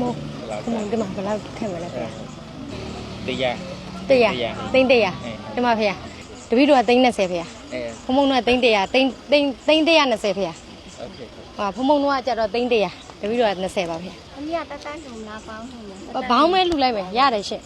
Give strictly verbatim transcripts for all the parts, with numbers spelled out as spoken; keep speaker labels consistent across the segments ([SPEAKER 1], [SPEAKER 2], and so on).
[SPEAKER 1] ဟုတ်ဟုတ်ဒီမှာဘယ်လောက်ထည့်မလဲဖေ။
[SPEAKER 2] တရား
[SPEAKER 1] တရားသိန်းတရားဒီမှာဖေ။တပည့်တော်ကသိန်း20ဖေ။
[SPEAKER 2] အဲ
[SPEAKER 1] ဖုံဖုံတော့သိန်းတရားသိန်းသိန်းသိန်း120ဖေ။
[SPEAKER 2] โอเค
[SPEAKER 1] ဟာဖုံဖုံတော့ကကြတော့သိန်းတရားတပည့်တော်က20ပါဖေ။
[SPEAKER 3] အမေကတတန်းထုံလားပေါင်းထုံလား
[SPEAKER 1] ဘောင်းမဲလှူလိုက်မယ်ရတယ်ရှင့်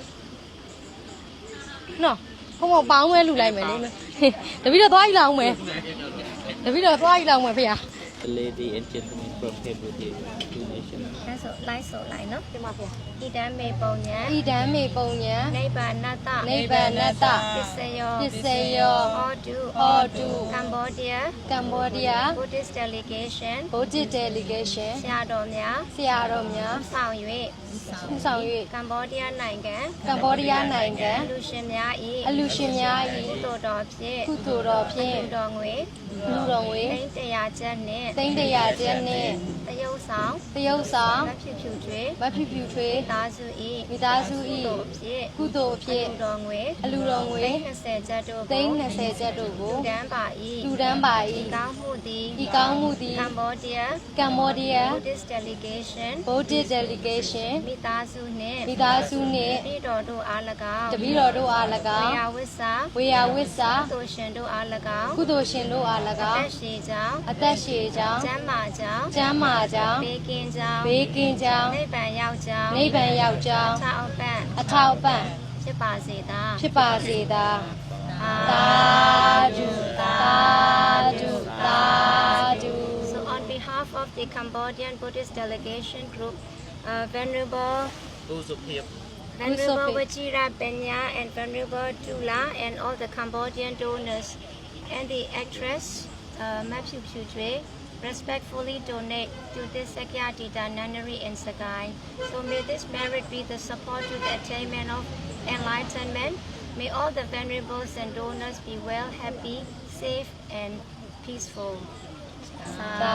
[SPEAKER 1] နော်ဖုံဖုံပေါင်းမဲလှူလိုက်မယ်လေတပည့်တော်သွားကြည့်လောက်မယ်တပည့်တော်သွားကြည့်လောက်မယ်ဖေ။
[SPEAKER 2] Lady and gentlemen from Cambodia donation
[SPEAKER 3] အဲဆိုလိုက်ဆိုလိုက်နော်
[SPEAKER 1] ဒီမှာဖေ။
[SPEAKER 3] ဣဒံမေပုံညာ
[SPEAKER 1] ဣဒံမေပုံညာ
[SPEAKER 3] နိဗ္ဗာနတ
[SPEAKER 1] နိဗ္ဗာနတ
[SPEAKER 3] ပစ္စယော
[SPEAKER 1] ပစ္စယော
[SPEAKER 3] ဟောတု
[SPEAKER 1] ဟောတု
[SPEAKER 3] ကမ္ဘောဒီးယား
[SPEAKER 1] ကမ္ဘောဒီးယား
[SPEAKER 3] Buddhist delegation
[SPEAKER 1] Buddhist delegation
[SPEAKER 3] ဆရာတော်များ
[SPEAKER 1] ဆရာတော်များ
[SPEAKER 3] ဆောင်၍
[SPEAKER 1] ဆောင်၍
[SPEAKER 3] ကမ္ဘောဒီးယားနိုင်ငံ
[SPEAKER 1] ကမ္ဘောဒီးယားနိုင်ငံ
[SPEAKER 3] လူရှင်များ၏
[SPEAKER 1] အလူရှင်များ
[SPEAKER 3] ကုသိုလ်တော်ဖြင့်
[SPEAKER 1] ၏ကုသိုလ်တော်ဖြင့်
[SPEAKER 3] လူတော်ငွေ
[SPEAKER 1] လူတော်ငွေ
[SPEAKER 3] သိန်းတရာကျပ်နှင့်
[SPEAKER 1] သိန်းတရာကျပ်နှင့်
[SPEAKER 3] တရုပ်ဆောင်
[SPEAKER 1] တရုပ်ဆောင်
[SPEAKER 3] မဖြစ်ဖြူကျွေ
[SPEAKER 1] မဖြူဖြူထွေး
[SPEAKER 3] သာစု၏
[SPEAKER 1] မိသားစု
[SPEAKER 3] ကု
[SPEAKER 1] ၏
[SPEAKER 3] သိုလ်ဖြင့်
[SPEAKER 1] ကုသိုလ်ဖြင့်
[SPEAKER 3] လူတော်ငွေ
[SPEAKER 1] အလူတော်ငွေ
[SPEAKER 3] သိန်း20ကျပ်တို့
[SPEAKER 1] သိန်း
[SPEAKER 3] ကို
[SPEAKER 1] 20ကျပ်တို့ကို
[SPEAKER 3] တန်းပါ၏
[SPEAKER 1] လူတန်းပါ
[SPEAKER 3] ဒီ
[SPEAKER 1] ၏
[SPEAKER 3] ကောင်းမှုသည်
[SPEAKER 1] ဤကောင်းမှုသည်
[SPEAKER 3] ကမ္ဘောဒီးယား
[SPEAKER 1] ကမ္ဘောဒီးယား
[SPEAKER 3] Buddhist delegation
[SPEAKER 1] Buddhist delegation
[SPEAKER 3] မိသားစုနှင့်
[SPEAKER 1] မိသားစုနှင့်
[SPEAKER 3] ပြည်တော်တို့အား၎င်း
[SPEAKER 1] တပည့်တော်တို့အား၎
[SPEAKER 3] ဝေ
[SPEAKER 1] င်း
[SPEAKER 3] ယဝိစာ
[SPEAKER 1] ဝေယဝိစာ
[SPEAKER 3] သိုလ်ရှင်တို့အား၎င်း
[SPEAKER 1] ကုသိုလ်ရှင်တို့အား၎
[SPEAKER 3] အ
[SPEAKER 1] င်း
[SPEAKER 3] သက်ရှိကြောင်း
[SPEAKER 1] အသက်ရှည်ကြောင်း
[SPEAKER 3] ကျမ်းမာကြောင်း
[SPEAKER 1] ကျမ်းမာကြောင်း
[SPEAKER 3] ဘေးကင်းကြောင်း
[SPEAKER 1] ဘေးကင်းကြောင်း
[SPEAKER 3] နိဗ္ဗာန်ရောက်ကြောင်း
[SPEAKER 1] နိဗ္ဗာန်ရောက်ကြောင်း
[SPEAKER 3] သာအပန့်
[SPEAKER 1] အထောက်အပံ့
[SPEAKER 3] ဖြစ်ပါစေသာ
[SPEAKER 1] ဖြစ်ပါစေသာ
[SPEAKER 3] အာ
[SPEAKER 1] သာဓုသာဓုသာဓု
[SPEAKER 3] So on behalf of the Cambodian Buddhist delegation group, uh, Venerable
[SPEAKER 2] ผู้สุภี
[SPEAKER 3] Venerable Vajira Penya and Venerable Tula and all the Cambodian donors and the actress uh, Mapsu Pujwe respectfully donate to this Sakyadita nunnery in Sagai. So may this merit be the support to the attainment of enlightenment. May all the venerables and donors be well, happy, safe and peaceful.
[SPEAKER 1] သာ